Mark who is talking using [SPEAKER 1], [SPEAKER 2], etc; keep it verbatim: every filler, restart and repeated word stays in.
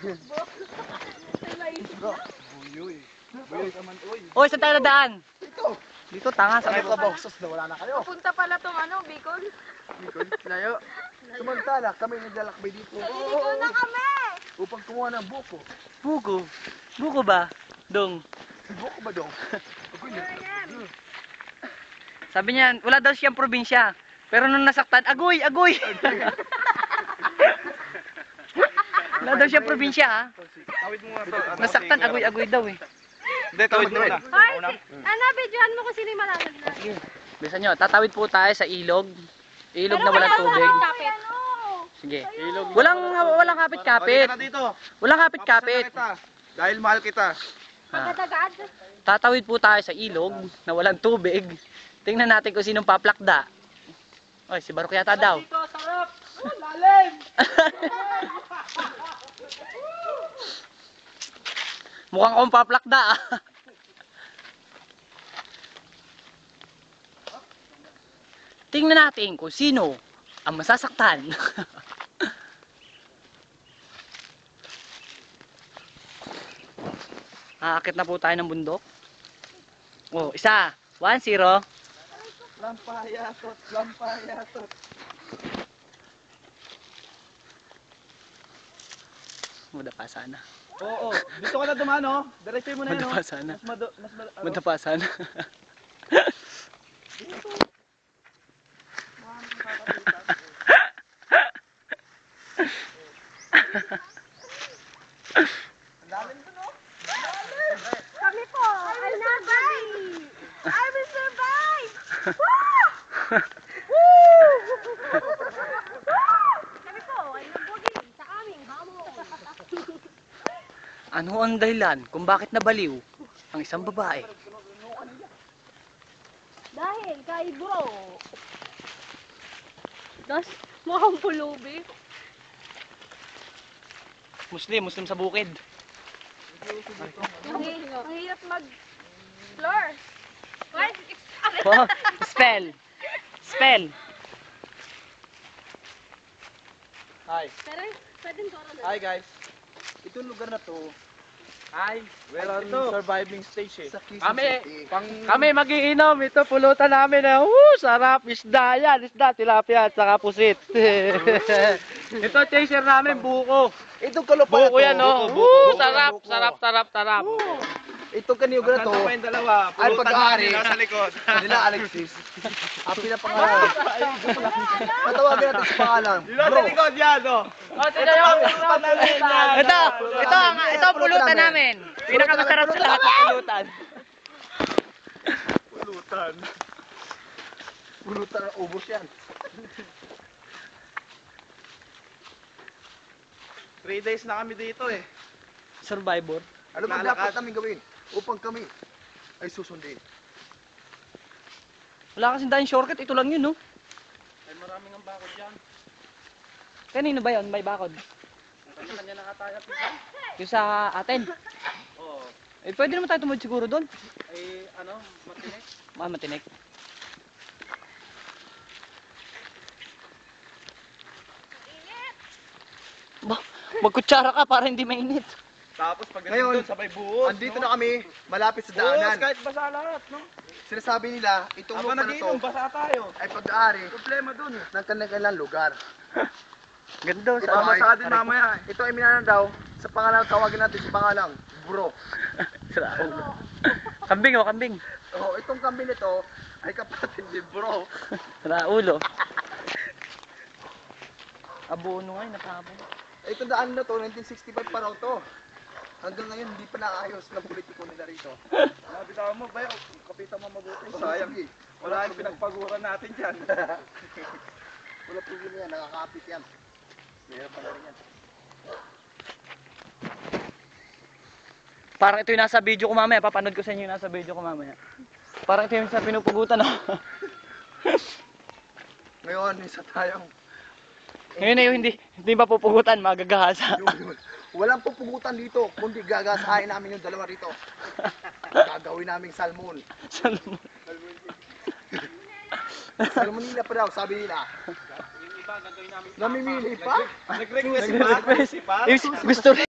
[SPEAKER 1] Buyoy. Buyoy naman, uy.
[SPEAKER 2] Oy, saan tayo nadaan?
[SPEAKER 1] Ito.
[SPEAKER 2] Dito, tanga.
[SPEAKER 1] Sa
[SPEAKER 2] Sa
[SPEAKER 1] mga bausos na wala na kayo.
[SPEAKER 3] Punta pala tong ano, Bicol.
[SPEAKER 1] Bicol, layo. Samantala, kami naglalakbay dito.
[SPEAKER 3] Bicol na kami!
[SPEAKER 1] Upang kumuha ng buko.
[SPEAKER 2] Buko. Buko ba? Dong.
[SPEAKER 1] Buko ba dong? Ako yun.
[SPEAKER 2] Sabi niya, wala daw siyang probinsya. Pero nung nasaktan, agoy, agoy. Wala daw siyang probinsya, ha?
[SPEAKER 4] Tawid mo nga to.
[SPEAKER 2] Nasaktan, agoy, agoy daw, eh.
[SPEAKER 4] Hindi, tawid mo na.
[SPEAKER 3] Hoy, ano, videohan mo kung sino yung malamag na.
[SPEAKER 2] Sige. Bisa nyo, tatawid po tayo sa ilog. Ilog
[SPEAKER 3] Pero
[SPEAKER 2] na walang
[SPEAKER 3] wala
[SPEAKER 2] tubig.
[SPEAKER 3] sa kapit.
[SPEAKER 2] Sige.
[SPEAKER 4] Ilog.
[SPEAKER 2] Walang, walang kapit-kapit.
[SPEAKER 4] Balik ka na dito.
[SPEAKER 2] Walang kapit-kapit.
[SPEAKER 4] Papasalan kita. Dahil mahal kita.
[SPEAKER 2] Ha.
[SPEAKER 3] Agad-agad.
[SPEAKER 2] Tatawid po tayo sa ilog na walang tubig. Tingnan natin kung sinong paplakda. Oy, si Barok yata daw.
[SPEAKER 1] Dito, sarap. Oh, lalim.
[SPEAKER 2] Mukhang akong paplakda, ah. Tingnan natin kung sino ang masasaktan. Aakit na po tayo ng bundok. Oh, isa. One, zero.
[SPEAKER 1] Lampayatot, lampayatot.
[SPEAKER 2] Madapa sana.
[SPEAKER 1] Oo, dito ka na dumaan, oh. Diretso mo na yun, oh.
[SPEAKER 2] Madapa sana.
[SPEAKER 1] Mas mado, mas mado, ano?
[SPEAKER 2] Madapa sana.
[SPEAKER 1] Ang lalim dun, oh.
[SPEAKER 3] Kami po, I will survive! I will survive! Woo! Woo! Kami po, ay nagbugi sa aming hamon.
[SPEAKER 2] Ano ang dahilan kung bakit nabaliw ang isang babae?
[SPEAKER 3] Dahil kay bro. Das, mukhang pulubi.
[SPEAKER 2] Muslim, Muslim sa bukid.
[SPEAKER 3] Ang ang hirap mag-floor. What?
[SPEAKER 2] Oh, spell. Spell.
[SPEAKER 1] Hi.
[SPEAKER 3] Pero, pwede ko na.
[SPEAKER 1] Hi, guys. Itong lugar na to,
[SPEAKER 4] Ay, we're on
[SPEAKER 1] Ito.
[SPEAKER 4] surviving stage eh.
[SPEAKER 1] sa Quezon
[SPEAKER 4] Kami,
[SPEAKER 1] City.
[SPEAKER 4] pang...
[SPEAKER 2] Kami magiinom. Ito pulutan namin. Na, uh, sarap. Isda yan. Isda, tilapia at saka pusit. Ito chaser namin, buko.
[SPEAKER 1] Itong kalupaya
[SPEAKER 2] Buko yan, no?
[SPEAKER 4] buko,
[SPEAKER 2] Uh,
[SPEAKER 4] buko,
[SPEAKER 2] sarap,
[SPEAKER 1] buko.
[SPEAKER 2] sarap, sarap, sarap.
[SPEAKER 1] Itong kaniyog na to,
[SPEAKER 4] Nasaan pa yung dalawa?
[SPEAKER 1] Ay,
[SPEAKER 4] Pulutan
[SPEAKER 1] pag-aari.
[SPEAKER 4] namin nasa likod.
[SPEAKER 1] nila Alexis. Ang pinapangalan. Patawagan natin sa pangalan.
[SPEAKER 4] Nasa
[SPEAKER 1] Bro,
[SPEAKER 4] likod yan, oh.
[SPEAKER 2] Oh, ito yung
[SPEAKER 4] Pulutan namin yan.
[SPEAKER 2] Ito, ito ang ito ang pulutan namin. Pinakamasarap sa lahat ng pulutan.
[SPEAKER 4] Pulutan.
[SPEAKER 1] pulutan ng ubos yan.
[SPEAKER 4] Three days na kami dito eh.
[SPEAKER 2] Survivor.
[SPEAKER 1] Ano ba
[SPEAKER 4] Lalakad.
[SPEAKER 1] dapat namin gawin upang kami ay susundin?
[SPEAKER 2] Wala kasing tayong shortcut, ito lang yun, no?
[SPEAKER 4] Ay, maraming ang bakod dyan.
[SPEAKER 2] Kanino ba yun? May bakod.
[SPEAKER 4] Kanya-kanya na nga tayo. Pisa.
[SPEAKER 2] Yung sa atin.
[SPEAKER 4] Oo.
[SPEAKER 2] Eh, pwede naman tayo tumawid siguro doon.
[SPEAKER 4] Ay, ano, matinik.
[SPEAKER 2] Ah, matinik. Ba, magkutsara ka para hindi mainit.
[SPEAKER 4] Tapos pag
[SPEAKER 1] Ngayon,
[SPEAKER 4] doon, sabay buhos.
[SPEAKER 1] Andito
[SPEAKER 4] no?
[SPEAKER 1] na kami, malapit sa
[SPEAKER 4] Buhos,
[SPEAKER 1] daanan.
[SPEAKER 4] kahit basa lahat, no?
[SPEAKER 1] Sinasabi nila, itong
[SPEAKER 4] Habang
[SPEAKER 1] lupa na to
[SPEAKER 4] nagiinom, basa tayo.
[SPEAKER 1] ay pag-aari
[SPEAKER 4] Problema dun.
[SPEAKER 1] ng kanilang lugar.
[SPEAKER 2] Ganda.
[SPEAKER 1] Ito
[SPEAKER 4] Baka
[SPEAKER 1] ay,
[SPEAKER 4] basa din mamaya eh.
[SPEAKER 1] ito ay minanan daw sa pangalan, tawagin natin sa pangalang Bro.
[SPEAKER 2] Sira ulo. Kambing, oh, kambing.
[SPEAKER 1] So, itong kambing nito ay kapatid ni Bro.
[SPEAKER 2] Sira ulo. Abono nga, napabon.
[SPEAKER 1] Itong daan na to, nineteen sixty-five pa raw to. Hanggang ngayon, hindi pa naayos ng politiko nila rito.
[SPEAKER 4] Nabitawan mo, bayo. Kapitan mo mabuti.
[SPEAKER 1] Oh,
[SPEAKER 4] Sayang.
[SPEAKER 1] sige.
[SPEAKER 4] Wala yung pinagpaguran natin dyan.
[SPEAKER 1] Wala problema yan, nakakapit yan. Mayroon pa na rin yan.
[SPEAKER 2] Parang ito yung nasa video ko mamaya. Papanood ko sa inyo yung nasa video ko mamaya. Parang ito yung sa pinupugutan, oh.
[SPEAKER 1] Ngayon, isa tayong
[SPEAKER 2] Ngayon na yung hindi, hindi pa pupugutan, magagahasa.
[SPEAKER 1] Yun, yun. Walang pupugutan dito, kundi gagasahin namin yung dalawa rito. Gagawin naming salmon.
[SPEAKER 2] Salmon.
[SPEAKER 1] Salmonilla pa daw, sabi nila.
[SPEAKER 4] Yung iba, gagawin namin.
[SPEAKER 1] Namimili pa?
[SPEAKER 4] Nag-request si Pat. Si Pat.
[SPEAKER 2] Gusto